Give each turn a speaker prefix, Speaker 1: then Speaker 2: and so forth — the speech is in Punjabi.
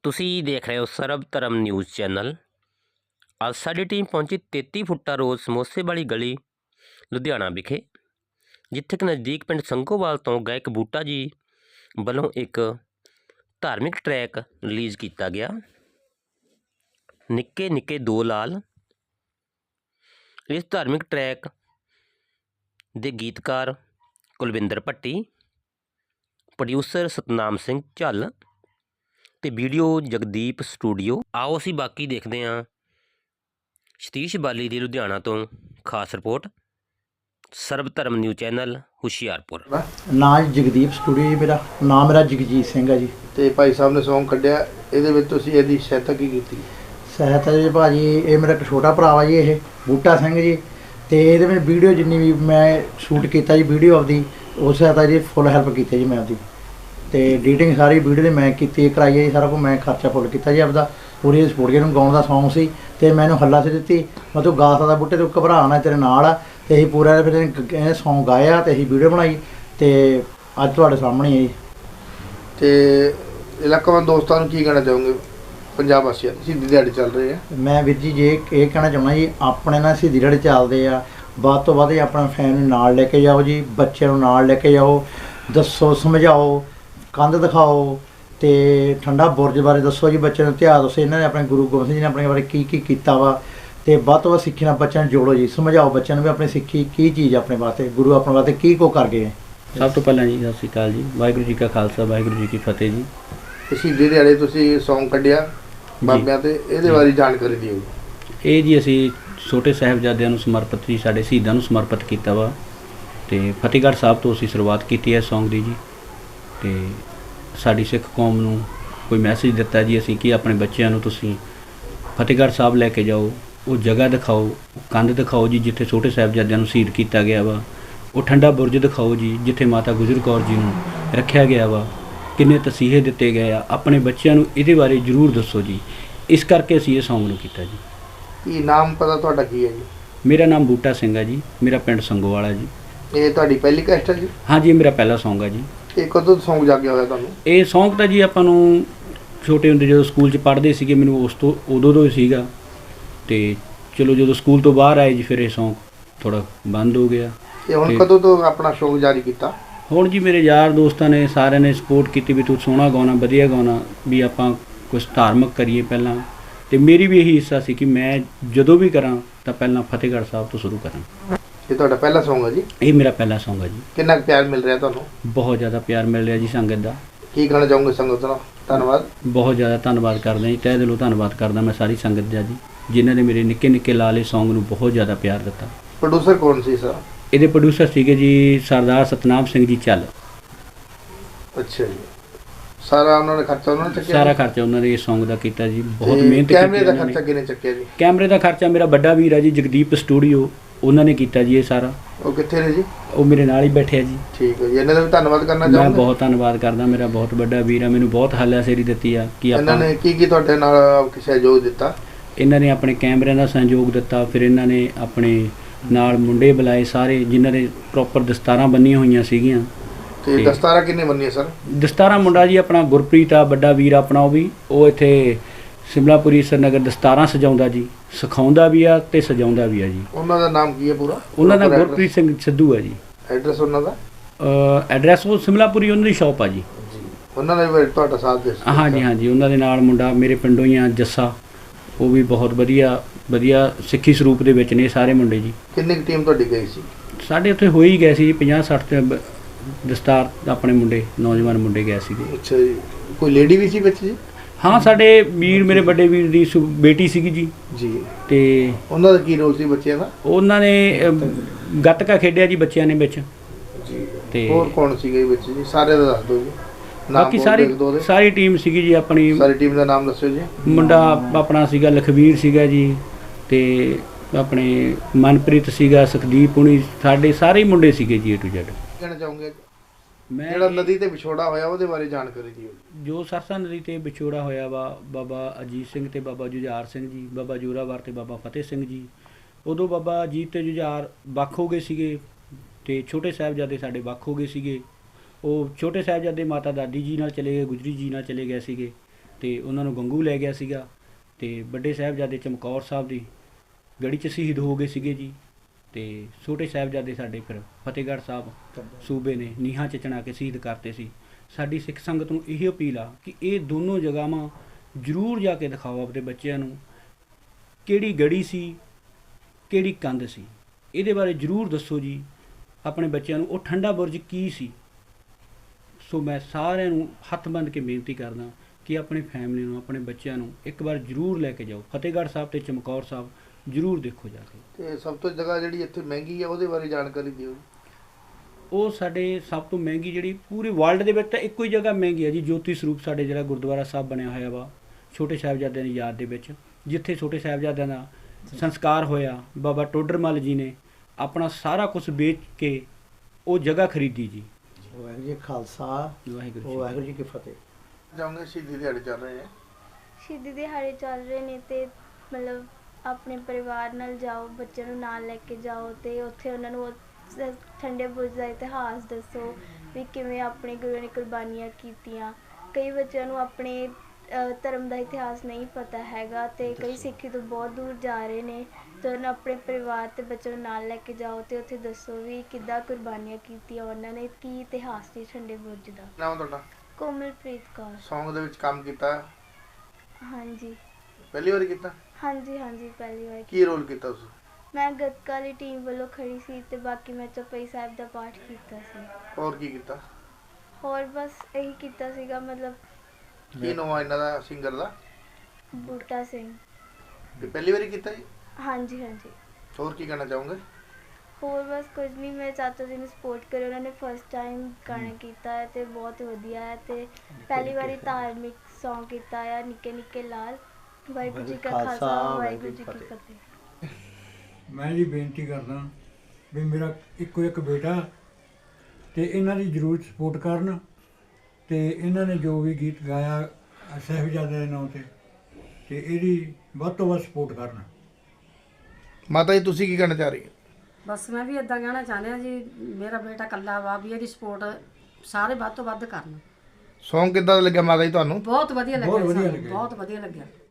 Speaker 1: ਤੁਸੀਂ ਦੇਖ ਰਹੇ ਹੋ ਸਰਬ ਧਰਮ ਨਿਊਜ਼ ਚੈਨਲ। ਅੱਜ ਸਾਡੀ ਟੀਮ ਪਹੁੰਚੀ 33 ਫੁੱਟਾ ਰੋਡ ਸਮੋਸੇ ਵਾਲੀ ਗਲੀ ਲੁਧਿਆਣਾ ਵਿਖੇ, ਜਿੱਥੇ ਕਿ ਨਜ਼ਦੀਕ ਪਿੰਡ ਸੰਘੋਵਾਲ ਤੋਂ ਗਾਇਕ ਬੂਟਾ ਜੀ ਵੱਲੋਂ ਇੱਕ ਧਾਰਮਿਕ ਟਰੈਕ ਰਿਲੀਜ਼ ਕੀਤਾ ਗਿਆ, ਨਿੱਕੇ ਨਿੱਕੇ ਦੋ ਲਾਲ। ਇਸ ਧਾਰਮਿਕ ਟਰੈਕ ਦੇ ਗੀਤਕਾਰ ਕੁਲਵਿੰਦਰ ਭੱਟੀ, ਪ੍ਰੋਡਿਊਸਰ ਸਤਨਾਮ ਸਿੰਘ ਝੱਲ ਤੇ ਵੀਡੀਓ ਜਗਦੀਪ ਸਟੂਡੀਓ। ਆਓ ਅਸੀਂ ਬਾਕੀ ਦੇਖਦੇ ਹਾਂ ਸਤੀਸ਼ ਬਾਲੀ ਦੀ ਲੁਧਿਆਣਾ ਤੋਂ ਖਾਸ ਰਿਪੋਰਟ। ਸਰਬ ਧਰਮ ਨਿਊਜ਼ ਚੈਨਲ ਹੁਸ਼ਿਆਰਪੁਰ।
Speaker 2: ਨਾਮ ਜਗਦੀਪ ਸਟੂਡੀਓ ਜੀ, ਨਾਮ ਮੇਰਾ ਜਗਜੀਤ ਸਿੰਘ ਹੈ ਜੀ।
Speaker 3: ਤੇ ਭਾਈ ਸਾਹਿਬ ਨੇ ਸੌਂਗ ਕੱਢਿਆ, ਇਹਦੇ ਵਿੱਚ ਤੁਸੀਂ ਇਹਦੀ ਸਹਾਇਤਾ ਕੀ ਕੀਤੀ?
Speaker 2: ਸਹਾਇਤਾ ਜੀ ਭਾਜੀ, ਇਹ ਮੇਰਾ ਇੱਕ ਛੋਟਾ ਭਰਾ ਵਾ ਜੀ, ਇਹ ਬੂਟਾ ਸਿੰਘ ਜੀ। ਤੇ ਇਹਦੇ ਵਿੱਚ ਵੀਡੀਓ ਜਿੰਨੀ ਵੀ ਮੈਂ ਸ਼ੂਟ ਕੀਤਾ ਜੀ, ਵੀਡੀਓ ਆਪਦੀ ਉਸ ਸਹਾਇਤਾ ਜੀ ਫੁੱਲ ਹੈਲਪ ਕੀਤੀ ਜੀ ਮੈਂ ਆਪਦੀ। ਤੇ ਐਡੀਟਿੰਗ ਸਾਰੀ ਵੀਡੀਓ ਦੀ ਮੈਂ ਕੀਤੀ, ਕਰਾਈ ਹੈ ਜੀ, ਸਾਰਾ ਕੁਝ ਮੈਂ ਖਰਚਾ ਫੁੱਲ ਕੀਤਾ ਜੀ ਆਪਦਾ। ਪੂਰੀ ਸਪੋਰਟ ਨੂੰ ਗਾਉਣ ਦਾ ਸੌਂਗ ਸੀ ਤੇ ਮੈਨੂੰ ਹੱਲਾ ਸੀ ਦਿੱਤੀ, ਮੈਂ ਤੂੰ ਗਾ ਸਕਦਾ ਬੂਟੇ, ਤੂੰ ਘਬਰਾ ਨਾ, ਤੇਰੇ ਨਾਲ ਆ। ਤੇ ਅਸੀਂ ਪੂਰਾ ਫਿਰ ਇਹ ਸੌਂਗ ਗਾਇਆ ਤੇ ਅਸੀਂ ਵੀਡੀਓ ਬਣਾਈ ਤੇ ਅੱਜ ਤੁਹਾਡੇ ਸਾਹਮਣੇ ਹੈ ਜੀ।
Speaker 3: ਤੇ ਇਲਾਕਾਵਾਂ ਦੋਸਤਾਂ ਨੂੰ ਕੀ ਕਹਿਣਾ ਚਾਹੋਗੇ, ਪੰਜਾਬ ਵਾਸੀਆਂ ਨੂੰ? ਸ਼ਹੀਦੀ ਦਿਹਾੜੇ ਚੱਲ ਰਹੇ ਆ।
Speaker 2: ਮੈਂ ਵੀਰ ਜੀ ਜੇ ਇਹ ਕਹਿਣਾ ਚਾਹੁੰਦਾ ਜੀ, ਆਪਣੇ ਨਾਲ ਸ਼ਹੀਦੀ ਦਿਹਾੜੇ ਚੱਲਦੇ ਆ, ਵੱਧ ਤੋਂ ਵੱਧ ਆਪਣਾ ਫੈਮਿਲੀ ਨਾਲ ਲੈ ਕੇ ਜਾਓ ਜੀ, ਬੱਚਿਆਂ ਨੂੰ ਨਾਲ ਲੈ ਕੇ ਜਾਓ, ਦੱਸੋ, ਸਮਝਾਓ, ਕੰਧ ਦਿਖਾਓ ਤੇ ਠੰਡਾ ਬੁਰਜ ਬਾਰੇ ਦੱਸੋ ਜੀ, ਬੱਚਿਆਂ ਨੂੰ ਇਤਿਹਾਸ ਦੱਸੋ, ਇਹਨਾਂ ਨੇ ਆਪਣੇ ਗੁਰੂ ਗੋਬਿੰਦ ਸਿੰਘ ਜੀ ਨੇ ਆਪਣੇ ਬਾਰੇ ਕੀ ਕੀ ਕੀਤਾ ਵਾ। ਤੇ ਵੱਧ ਤੋਂ ਵੱਧ ਸਿੱਖੀ ਨਾਲ ਬੱਚਿਆਂ ਨੂੰ ਜੋੜੋ ਜੀ, ਸਮਝਾਓ ਬੱਚਿਆਂ ਨੂੰ ਵੀ ਆਪਣੀ ਸਿੱਖੀ ਕੀ ਚੀਜ਼ ਆਪਣੇ ਵਾਸਤੇ, ਗੁਰੂ ਆਪਣੇ ਵਾਸਤੇ ਕੀ ਕੋ ਕਰ ਗਏ।
Speaker 4: ਸਭ ਤੋਂ ਪਹਿਲਾਂ ਜੀ ਸਤਿ ਸ਼੍ਰੀ ਅਕਾਲ ਜੀ, ਵਾਹਿਗੁਰੂ ਜੀ ਕਾ ਖਾਲਸਾ, ਵਾਹਿਗੁਰੂ ਜੀ ਕੀ ਫਤਿਹ ਜੀ।
Speaker 3: ਸ਼ਹੀਦੀ ਦਿਹਾੜੇ ਤੁਸੀਂ ਸੌਂਗ ਕੱਢਿਆ ਬਾਬਿਆਂ ਤੇ, ਇਹਦੇ ਬਾਰੇ ਜਾਣਕਾਰੀ ਦਿਓ।
Speaker 4: ਇਹ ਜੀ ਅਸੀਂ ਛੋਟੇ ਸਾਹਿਬਜ਼ਾਦਿਆਂ ਨੂੰ ਸਮਰਪਿਤ ਜੀ, ਸਾਡੇ ਸ਼ਹੀਦਾਂ ਨੂੰ ਸਮਰਪਿਤ ਕੀਤਾ ਵਾ। ਤੇ ਫਤਿਹਗੜ੍ਹ ਸਾਹਿਬ ਤੋਂ ਅਸੀਂ ਸ਼ੁਰੂਆਤ ਕੀਤੀ ਹੈ ਸੌਂਗ ਦੀ ਜੀ। ਤੇ ਸਾਡੀ ਸਿੱਖ ਕੌਮ ਨੂੰ ਕੋਈ ਮੈਸੇਜ ਦਿੱਤਾ ਜੀ ਅਸੀਂ ਕਿ ਆਪਣੇ ਬੱਚਿਆਂ ਨੂੰ ਤੁਸੀਂ ਫਤਿਹਗੜ੍ਹ ਸਾਹਿਬ ਲੈ ਕੇ ਜਾਓ, ਉਹ ਜਗ੍ਹਾ ਦਿਖਾਓ, ਕੰਧ ਦਿਖਾਓ ਜੀ ਜਿੱਥੇ ਛੋਟੇ ਸਾਹਿਬਜ਼ਾਦਿਆਂ ਨੂੰ ਸ਼ਹੀਦ ਕੀਤਾ ਗਿਆ ਵਾ। ਉਹ ਠੰਡਾ ਬੁਰਜ ਦਿਖਾਓ ਜੀ ਜਿੱਥੇ ਮਾਤਾ ਗੁਜਰ ਕੌਰ ਜੀ ਨੂੰ ਰੱਖਿਆ ਗਿਆ ਵਾ, ਕਿੰਨੇ ਤਸੀਹੇ ਦਿੱਤੇ ਗਏ ਆ। ਆਪਣੇ ਬੱਚਿਆਂ ਨੂੰ ਇਹਦੇ ਬਾਰੇ ਜ਼ਰੂਰ ਦੱਸੋ ਜੀ, ਇਸ ਕਰਕੇ ਅਸੀਂ ਇਹ ਸੌਂਗ ਨੂੰ ਕੀਤਾ ਜੀ।
Speaker 3: ਕੀ ਨਾਮ ਪਤਾ ਤੁਹਾਡਾ ਕੀ ਹੈ ਜੀ?
Speaker 4: ਮੇਰਾ ਨਾਮ ਬੂਟਾ ਸਿੰਘ ਹੈ ਜੀ, ਮੇਰਾ ਪਿੰਡ ਸੰਗੋਵਾਲ ਹੈ ਜੀ।
Speaker 3: ਇਹ ਤੁਹਾਡੀ ਪਹਿਲੀ ਕੈਸਟ ਹੈ ਜੀ?
Speaker 4: ਹਾਂਜੀ, ਇਹ ਮੇਰਾ ਪਹਿਲਾ ਸੌਂਗ ਹੈ ਜੀ।
Speaker 3: ਇਹ ਕਦੋਂ ਸੌਂਗ ਜਾਗਿਆ ਹੋਇਆ ਤੁਹਾਨੂੰ?
Speaker 4: ਇਹ ਸੌਂਗ ਤਾਂ ਜੀ ਆਪਾਂ ਨੂੰ ਛੋਟੇ ਹੁੰਦੇ ਜਦੋਂ ਸਕੂਲ 'ਚ ਪੜ੍ਹਦੇ ਸੀਗੇ, ਮੈਨੂੰ ਉਸ ਤੋਂ ਉਦੋਂ ਤੋਂ ਹੀ ਸੀਗਾ। ਤੇ ਚਲੋ ਜਦੋਂ ਸਕੂਲ ਤੋਂ ਬਾਹਰ ਆਏ ਜੀ, ਫਿਰ ਇਹ ਸੌਂਗ ਥੋੜ੍ਹਾ ਬੰਦ ਹੋ ਗਿਆ।
Speaker 3: ਇਹ ਹੁਣ ਕਦੋਂ ਤੋਂ ਆਪਣਾ ਸ਼ੌਂਕ ਜਾਰੀ ਕੀਤਾ?
Speaker 4: ਹੁਣ ਜੀ ਮੇਰੇ ਯਾਰ ਦੋਸਤਾਂ ਨੇ ਸਾਰਿਆਂ ਨੇ ਸਪੋਰਟ ਕੀਤੀ ਵੀ ਤੂੰ ਸੋਹਣਾ ਗਾਉਣਾ, ਵਧੀਆ ਗਾਉਣਾ, ਵੀ ਆਪਾਂ ਕੁਛ ਧਾਰਮਿਕ ਕਰੀਏ ਪਹਿਲਾਂ। ਤੇ ਮੇਰੀ ਵੀ ਇਹੀ ਹਿੱਸਾ ਸੀ ਕਿ ਮੈਂ ਜਦੋਂ ਵੀ ਕਰਾਂ ਤਾਂ ਪਹਿਲਾਂ ਫਤਿਹਗੜ੍ਹ ਸਾਹਿਬ ਤੋਂ ਸ਼ੁਰੂ ਕਰਾਂ।
Speaker 3: ਇਹ ਤੁਹਾਡਾ ਪਹਿਲਾ ਸੌਂਗ ਹੈ ਜੀ?
Speaker 4: ਇਹ ਮੇਰਾ ਪਹਿਲਾ ਸੌਂਗ ਹੈ ਜੀ।
Speaker 3: ਕਿੰਨਾ ਪਿਆਰ ਮਿਲ ਰਿਹਾ ਤੁਹਾਨੂੰ?
Speaker 4: ਬਹੁਤ ਜ਼ਿਆਦਾ ਪਿਆਰ ਮਿਲ ਰਿਹਾ ਜੀ ਸੰਗਤ ਦਾ।
Speaker 3: ਕੀ ਕਹਿਣਾ ਚਾਹੋਗੇ ਸੰਗਤ ਦਾ? ਧੰਨਵਾਦ।
Speaker 4: ਬਹੁਤ ਜ਼ਿਆਦਾ ਧੰਨਵਾਦ ਕਰਦਾ ਜੀ, ਤਹਿ ਦਿਲੋਂ ਧੰਨਵਾਦ ਕਰਦਾ ਮੈਂ ਸਾਰੀ ਸੰਗਤ ਦਾ ਜੀ, ਜਿਨ੍ਹਾਂ ਨੇ ਮੇਰੇ ਨਿੱਕੇ ਨਿੱਕੇ ਲਾਲੇ ਸੌਂਗ ਨੂੰ ਬਹੁਤ ਜ਼ਿਆਦਾ ਪਿਆਰ ਦਿੱਤਾ।
Speaker 3: ਪ੍ਰੋਡਿਊਸਰ ਕੌਣ ਸੀ ਸਰ?
Speaker 4: ਇਹਦੇ ਪ੍ਰੋਡਿਊਸਰ ਸੀਗੇ ਜੀ ਸਰਦਾਰ ਸਤਨਾਮ ਸਿੰਘ ਜੀ ਝੱਲ।
Speaker 3: ਅੱਛਾ ਜੀ, ਸਾਰਾ ਉਹਨਾਂ ਨੇ ਖਰਚਾ ਉਹਨਾਂ ਨੇ ਚੱਕਿਆ?
Speaker 4: ਸਾਰਾ ਖਰਚਾ ਉਹਨਾਂ ਨੇ ਇਸ ਸੌਂਗ ਦਾ ਕੀਤਾ ਜੀ, ਬਹੁਤ ਮਿਹਨਤ ਕੀਤੀ।
Speaker 3: ਕੈਮਰੇ ਦਾ ਖਰਚਾ ਕਿਹਨੇ ਚੱਕਿਆ ਜੀ?
Speaker 4: ਕੈਮਰੇ ਦਾ ਖਰਚਾ ਮੇਰਾ ਵੱਡਾ ਵੀਰ ਆ ਜੀ ਜਗਦੀਪ ਸਟੂਡੀਓ, ਉਹਨਾਂ ਨੇ ਕੀਤਾ ਜੀ ਇਹ ਸਾਰਾ।
Speaker 3: ਉਹ ਕਿੱਥੇ ਨੇ ਜੀ?
Speaker 4: ਉਹ ਮੇਰੇ ਨਾਲ ਹੀ ਬੈਠੇ ਆ ਜੀ।
Speaker 3: ਠੀਕ ਹੈ ਜੀ, ਇਹਨਾਂ ਦਾ ਵੀ ਧੰਨਵਾਦ ਕਰਨਾ
Speaker 4: ਮੈਂ
Speaker 3: ਚਾਹੁੰਦਾ।
Speaker 4: ਬਹੁਤ ਧੰਨਵਾਦ ਕਰਦਾ, ਮੇਰਾ ਬਹੁਤ ਵੱਡਾ ਵੀਰ ਆ, ਮੈਨੂੰ ਬਹੁਤ ਹੱਲਾਸ਼ੇਰੀ ਦਿੱਤੀ ਆ ਕਿ
Speaker 3: ਇਹਨਾਂ ਨੇ
Speaker 4: ਆਪਾਂ
Speaker 3: ਕੀ ਤੁਹਾਡੇ ਨਾਲ ਸਹਿਯੋਗ ਦਿੱਤਾ?
Speaker 4: ਇਹਨਾਂ ਨੇ ਆਪਣੇ ਕੈਮਰਿਆਂ ਦਾ ਸਹਿਯੋਗ ਦਿੱਤਾ, ਫਿਰ ਇਹਨਾਂ ਨੇ ਆਪਣੇ ਨਾਲ ਮੁੰਡੇ ਬੁਲਾਏ ਸਾਰੇ, ਜਿਨ੍ਹਾਂ ਨੇ ਪ੍ਰੋਪਰ ਦਸਤਾਰਾਂ ਬੰਨੀਆਂ ਹੋਈਆਂ ਸੀਗੀਆਂ।
Speaker 3: ਤੇ ਦਸਤਾਰਾਂ ਕਿੰਨੇ ਬੰਨੀਆਂ ਸਰ?
Speaker 4: ਦਸਤਾਰਾਂ ਮੁੰਡਾ ਜੀ ਆਪਣਾ ਗੁਰਪ੍ਰੀਤ ਆ, ਵੱਡਾ ਵੀਰ ਆਪਣਾ, ਉਹ ਇੱਥੇ ਸਿਮਲਾਪੁਰੀ ਸਰਨਗਰ ਦਸਤਾਰਾਂ ਸਜਾਉਂਦਾ ਜੀ, ਸਿਖਾਉਂਦਾ ਵੀ ਆ ਤੇ ਸਜਾਉਂਦਾ ਵੀ ਆ ਜੀ।
Speaker 3: ਉਹਨਾਂ ਦਾ ਨਾਮ ਕੀ ਹੈ ਪੂਰਾ?
Speaker 4: ਉਹਨਾਂ ਦਾ ਗੁਰਪ੍ਰੀਤ ਸਿੰਘ ਸਿੱਧੂ ਆ ਜੀ।
Speaker 3: ਐਡਰੈਸ ਉਹਨਾਂ ਦਾ?
Speaker 4: ਐਡਰੈਸ ਉਹ ਸਿਮਲਾਪੁਰੀ ਉਹਨਾਂ ਦੀ ਸ਼ਾਪ ਆ ਜੀ।
Speaker 3: ਉਹਨਾਂ ਨੇ ਵੀ ਤੁਹਾਡਾ ਸਾਥ ਦਿੱਤਾ?
Speaker 4: ਹਾਂਜੀ ਹਾਂਜੀ, ਉਹਨਾਂ ਦੇ ਨਾਲ ਮੁੰਡਾ ਮੇਰੇ ਪਿੰਡੋਂ ਹੀ ਆ ਜੱਸਾ, ਉਹ ਵੀ ਬਹੁਤ ਵਧੀਆ ਸਿੱਖੀ ਸਰੂਪ ਦੇ ਵਿੱਚ ਨੇ ਸਾਰੇ ਮੁੰਡੇ ਜੀ।
Speaker 3: ਕਿੰਨੀ ਕੁ ਟੀਮ ਤੁਹਾਡੀ ਗਈ ਸੀ?
Speaker 4: ਸਾਡੇ ਉੱਥੇ ਹੋ ਹੀ ਗਏ ਸੀ 50-60 ਤੇ ਦਸਤਾਰ ਆਪਣੇ ਮੁੰਡੇ, ਨੌਜਵਾਨ ਮੁੰਡੇ ਗਏ ਸੀਗੇ।
Speaker 3: ਅੱਛਾ ਜੀ, ਕੋਈ ਲੇਡੀ ਵੀ ਸੀ ਵਿੱਚ ਜੀ?
Speaker 4: ਹਾਂ, ਸਾਡੇ ਵੀਰ, ਮੇਰੇ ਵੱਡੇ ਵੀਰ ਦੀ ਬੇਟੀ ਸੀਗੀ ਜੀ।
Speaker 3: ਜੀ।
Speaker 4: ਤੇ
Speaker 3: ਉਹਨਾਂ ਦਾ ਕੀ ਰੋਲ ਸੀ ਬੱਚਿਆਂ ਦਾ?
Speaker 4: ਉਹਨਾਂ ਨੇ ਗੱਤਕਾ ਖੇਡਿਆ ਜੀ ਬੱਚਿਆਂ ਨੇ ਵਿੱਚ।
Speaker 3: ਜੀ।
Speaker 4: ਤੇ
Speaker 3: ਹੋਰ ਕੌਣ ਸੀਗੇ ਵਿੱਚ ਜੀ? ਸਾਰੇ ਦਾ ਦੱਸ ਦਿਓ ਜੀ।
Speaker 4: ਬਾਕੀ ਸਾਰੀ ਟੀਮ ਸੀਗੀ ਜੀ ਆਪਣੀ।
Speaker 3: ਸਾਰੀ ਟੀਮ ਦਾ ਨਾਮ ਦੱਸਿਓ ਜੀ।
Speaker 4: ਮੁੰਡਾ ਆਪਣਾ ਸੀਗਾ ਲਖਵੀਰ ਸੀਗਾ ਜੀ, ਤੇ ਆਪਣੇ ਮਨਪ੍ਰੀਤ ਸੀਗਾ, ਸੁਖਦੀਪ ਹੁਣੀ, ਸਾਡੇ ਸਾਰੇ ਮੁੰਡੇ ਸੀਗੇ ਜੀ A to Z।
Speaker 3: ਕਹਿਣਾ ਚਾਹੂੰਗੇ
Speaker 4: ਮੈਂ
Speaker 3: ਜਿਹੜਾ ਨਦੀ ਤੇ ਵਿਛੋੜਾ ਹੋਇਆ ਉਹਦੇ ਬਾਰੇ ਜਾਣਕਾਰੀ ਦਿਓ।
Speaker 4: ਜੋ ਸਰਸਾ ਨਦੀ ਤੇ ਵਿਛੋੜਾ ਹੋਇਆ ਵਾ, ਬਾਬਾ ਅਜੀਤ ਸਿੰਘ ਤੇ ਬਾਬਾ ਜੁਝਾਰ ਸਿੰਘ ਜੀ, ਬਾਬਾ ਜੋਰਾਵਰ ਤੇ ਬਾਬਾ ਫਤਿਹ ਸਿੰਘ ਜੀ, ਉਦੋਂ ਬਾਬਾ ਅਜੀਤ ਤੇ ਜੁਝਾਰ ਵੱਖ ਹੋ ਗਏ ਸੀਗੇ ਤੇ ਛੋਟੇ ਸਾਹਿਬਜ਼ਾਦੇ ਸਾਡੇ ਵੱਖ ਹੋ ਗਏ ਸੀਗੇ। ਉਹ ਛੋਟੇ ਸਾਹਿਬਜ਼ਾਦੇ ਮਾਤਾ ਦਾਦੀ ਜੀ ਨਾਲ ਚਲੇ ਗਏ, ਗੁਜਰੀ ਜੀ ਨਾਲ ਚਲੇ ਗਏ ਸੀਗੇ, ਤੇ ਉਹਨਾਂ ਨੂੰ ਗੰਗੂ ਲੈ ਗਿਆ ਸੀਗਾ ਤੇ ਵੱਡੇ ਸਾਹਿਬਜ਼ਾਦੇ ਚਮਕੌਰ ਸਾਹਿਬ ਦੀ ਗੜੀ 'ਚ ਸ਼ਹੀਦ ਹੋ ਗਏ ਸੀਗੇ ਜੀ। ਤੇ ਛੋਟੇ ਸਾਹਿਬਜ਼ਾਦੇ ਸਾਡੇ ਫਿਰ ਫਤਿਹਗੜ੍ਹ ਸਾਹਿਬ ਸੂਬੇ ਨੇ ਨੀਹਾਂ 'ਚ ਚਣਾ ਕੇ ਸ਼ਹੀਦ ਕਰਤੇ ਸੀ। ਸਾਡੀ ਸਿੱਖ ਸੰਗਤ ਨੂੰ ਇਹ ਅਪੀਲ ਆ ਕਿ ਇਹ ਦੋਨੋਂ ਜਗ੍ਹਾਵਾਂ ਜ਼ਰੂਰ ਜਾ ਕੇ ਦਿਖਾਓ ਆਪਣੇ ਬੱਚਿਆਂ ਨੂੰ, ਕਿਹੜੀ ਗੜੀ ਸੀ, ਕਿਹੜੀ ਕੰਧ ਸੀ, ਇਹਦੇ ਬਾਰੇ ਜ਼ਰੂਰ ਦੱਸੋ ਜੀ ਆਪਣੇ ਬੱਚਿਆਂ ਨੂੰ। ਉਹ ਠੰਡਾ ਬੁਰਜ ਕੀ ਸੀ। ਸੋ ਮੈਂ ਸਾਰਿਆਂ ਨੂੰ ਹੱਥ ਬੰਨ੍ਹ ਕੇ ਬੇਨਤੀ ਕਰਦਾ ਕਿ ਆਪਣੀ ਫੈਮਿਲੀ ਨੂੰ, ਆਪਣੇ ਬੱਚਿਆਂ ਨੂੰ ਇੱਕ ਵਾਰ ਜ਼ਰੂਰ ਲੈ ਕੇ ਜਾਓ। ਫਤਿਹਗੜ੍ਹ ਸਾਹਿਬ ਤੇ ਚਮਕੌਰ ਸਾਹਿਬ ਜ਼ਰੂਰ ਦੇਖੋ ਜਾ ਕੇ।
Speaker 3: ਤੇ ਸਭ ਤੋਂ ਜਗ੍ਹਾ ਜਿਹੜੀ ਇੱਥੇ ਮਹਿੰਗੀ ਆ ਉਹਦੇ ਬਾਰੇ ਜਾਣਕਾਰੀ ਦਿਓ।
Speaker 4: ਉਹ ਸਾਡੇ ਸਭ ਤੋਂ ਮਹਿੰਗੀ ਜਿਹੜੀ ਪੂਰੇ ਵਰਲਡ ਦੇ ਵਿੱਚ ਤਾਂ ਇੱਕੋ ਹੀ ਜਗ੍ਹਾ ਮਹਿੰਗੀ ਹੈ ਜੀ, ਜੋਤੀ ਸਰੂਪ ਸਾਡੇ ਜਿਹੜਾ ਗੁਰਦੁਆਰਾ ਸਾਹਿਬ ਬਣਿਆ ਹੋਇਆ ਵਾ ਛੋਟੇ ਸਾਹਿਬਜ਼ਾਦਿਆਂ ਦੀ ਯਾਦ ਦੇ ਵਿੱਚ, ਜਿੱਥੇ ਛੋਟੇ ਸਾਹਿਬਜ਼ਾਦਿਆਂ ਦਾ ਸੰਸਕਾਰ ਹੋਇਆ। ਬਾਬਾ ਟੋਡਰ ਮੱਲ ਜੀ ਨੇ ਆਪਣਾ ਸਾਰਾ ਕੁਝ ਵੇਚ ਕੇ ਉਹ ਜਗ੍ਹਾ ਖਰੀਦੀ ਜੀ।
Speaker 2: ਵਾਹਿਗੁਰੂ ਜੀ ਕਾ ਖਾਲਸਾ,
Speaker 4: ਵਾਹਿਗੁਰੂ ਜੀ।
Speaker 2: ਵਾਹਿਗੁਰੂ ਜੀ ਕੀ ਫਤਿਹ।
Speaker 3: ਜਾਉਂਗੇ ਸ਼ਹੀਦੀ ਦਿਹਾੜੇ ਚੱਲ ਰਹੇ ਆ।
Speaker 5: ਸ਼ਹੀਦੀ ਦਿਹਾੜੇ ਚੱਲ ਰਹੇ ਨੇ ਤੇ ਮਤਲਬ ਆਪਣੇ ਪਰਿਵਾਰ ਨਾਲ ਜਾਓ, ਬੱਚਿਆਂ ਨੂੰ ਨਾਲ ਲੈ ਕੇ ਜਾਓ ਤੇ ਉੱਥੇ ਉਹਨਾਂ ਨੂੰ ਠੰਡੇ ਬੁਰਜ ਦਾ ਇਤਿਹਾਸ ਦੱਸੋ ਵੀ ਕਿਵੇਂ ਆਪਣੇ ਗੁਰੂਆਂ ਨੇ ਕੁਰਬਾਨੀਆਂ ਕੀਤੀਆਂ। ਕਈ ਬੱਚਿਆਂ ਨੂੰ ਆਪਣੇ ਧਰਮ ਦਾ ਇਤਿਹਾਸ ਨਹੀਂ ਪਤਾ ਹੈਗਾ ਤੇ ਕਈ ਸਿੱਖੀ ਤੋਂ ਬਹੁਤ ਦੂਰ ਜਾ ਰਹੇ ਨੇ, ਤੇ ਉਹਨਾਂ ਆਪਣੇ ਪਰਿਵਾਰ ਤੇ ਬੱਚਿਆਂ ਨੂੰ ਨਾਲ ਲੈ ਕੇ ਜਾਓ ਤੇ ਉੱਥੇ ਦੱਸੋ ਵੀ ਕਿੱਦਾਂ ਕੁਰਬਾਨੀਆਂ ਕੀਤੀਆਂ ਉਹਨਾਂ ਨੇ, ਕੀ ਇਤਿਹਾਸ ਸੀ ਠੰਡੇ ਬੁਰਜ ਦਾ।
Speaker 3: ਨਾਮ ਤੁਹਾਡਾ?
Speaker 5: ਕੋਮਲਪ੍ਰੀਤ ਕੌਰ।
Speaker 3: Song ਦੇ ਵਿੱਚ ਕੰਮ ਕੀਤਾ,
Speaker 5: ਹਾਂਜੀ
Speaker 3: ਪਹਿਲੀ ਵਾਰੀ ਕੀਤਾ?
Speaker 5: ਹਾਂਜੀ ਹਾਂਜੀ ਪਹਿਲੀ ਵਾਰ।
Speaker 3: ਕੀ ਰੋਲ ਕੀਤਾ ਤੁਸੀਂ?
Speaker 5: ਮੈਂ ਗੱਤਕਾ ਵਾਲੀ ਟੀਮ ਵੱਲੋਂ ਖੜੀ ਸੀ ਤੇ ਬਾਕੀ ਮੈਂ ਚੌਪਈ ਸਾਹਿਬ ਦਾ ਪਾਠ ਕੀਤਾ ਸੀ।
Speaker 3: ਹੋਰ ਕੀ ਕੀਤਾ?
Speaker 5: ਹੋਰ ਬਸ ਇਹੀ ਕੀਤਾ ਸੀਗਾ, ਮਤਲਬ
Speaker 3: ਕੀ ਨਾਮ ਆ ਇਹਨਾਂ ਦਾ ਸਿੰਗਰ ਦਾ?
Speaker 5: ਬੂਟਾ ਸਿੰਘ।
Speaker 3: ਤੇ ਪਹਿਲੀ ਵਾਰੀ ਕੀਤਾ ਜੀ?
Speaker 5: ਹਾਂਜੀ ਹਾਂਜੀ।
Speaker 3: ਹੋਰ ਕੀ ਕਹਿਣਾ ਚਾਹੋਗੇ?
Speaker 5: ਹੋਰ ਬਸ ਕੁਝ ਨਹੀਂ, ਮੇਰੇ ਚਾਚਾ ਜੀ ਨੂੰ ਸਪੋਰਟ ਕਰੇ, ਉਹਨਾਂ ਨੇ ਫਸਟ ਟਾਈਮ ਗਾਣਾ ਕੀਤਾ ਹੈ ਤੇ ਬਹੁਤ ਵਧੀਆ ਹੈ ਤੇ ਪਹਿਲੀ ਵਾਰੀ ਧਾਰਮਿਕ Song ਕੀਤਾ ਹੈ ਨਿੱਕੇ ਨਿੱਕੇ ਲਾਲ। ਵਾਹਿਗੁਰੂ ਜੀ ਕਾ ਖਾਲਸਾ, ਵਾਹਿਗੁਰੂ ਜੀ ਕੀ ਫਤਿਹ।
Speaker 6: ਮੈਂ ਜੀ ਬੇਨਤੀ ਕਰਦਾ ਵੀ ਮੇਰਾ ਇੱਕੋ ਇੱਕ ਬੇਟਾ ਤੇ ਇਹਨਾਂ ਦੀ ਜ਼ਰੂਰ ਸਪੋਰਟ ਕਰਨ ਤੇ ਇਹਨਾਂ ਨੇ ਜੋ ਵੀ ਗੀਤ ਗਾਇਆ ਸਾਹਿਬਜ਼ਾਦੇ ਦੇ ਨਾਂ ਤੇ ਇਹਦੀ ਵੱਧ ਤੋਂ ਵੱਧ ਸਪੋਰਟ ਕਰਨ।
Speaker 3: ਮਾਤਾ ਜੀ ਤੁਸੀਂ ਕੀ ਕਹਿਣਾ ਚਾਹ ਰਹੀ ਹੋ?
Speaker 7: ਬਸ ਮੈਂ ਵੀ ਇਦਾਂ ਕਹਿਣਾ ਚਾਹੁੰਦੀ ਹਾਂ ਜੀ, ਮੇਰਾ ਬੇਟਾ ਇਕੱਲਾ ਵਾ ਵੀ ਇਹਦੀ ਸਪੋਰਟ ਸਾਰੇ ਵੱਧ ਤੋਂ ਵੱਧ ਕਰਨ।
Speaker 3: Song ਕਿੱਦਾਂ ਦਾ ਲੱਗਿਆ ਮਾਤਾ ਜੀ ਤੁਹਾਨੂੰ?
Speaker 7: ਬਹੁਤ ਵਧੀਆ
Speaker 6: ਬਹੁਤ
Speaker 7: ਲੱਗਿਆ
Speaker 6: ਵਧੀਆ
Speaker 7: ਸਾਨੂੰ,
Speaker 6: ਲੱਗਿਆ।
Speaker 7: ਬਹੁਤ ਵਧੀਆ ਲੱਗਿਆ।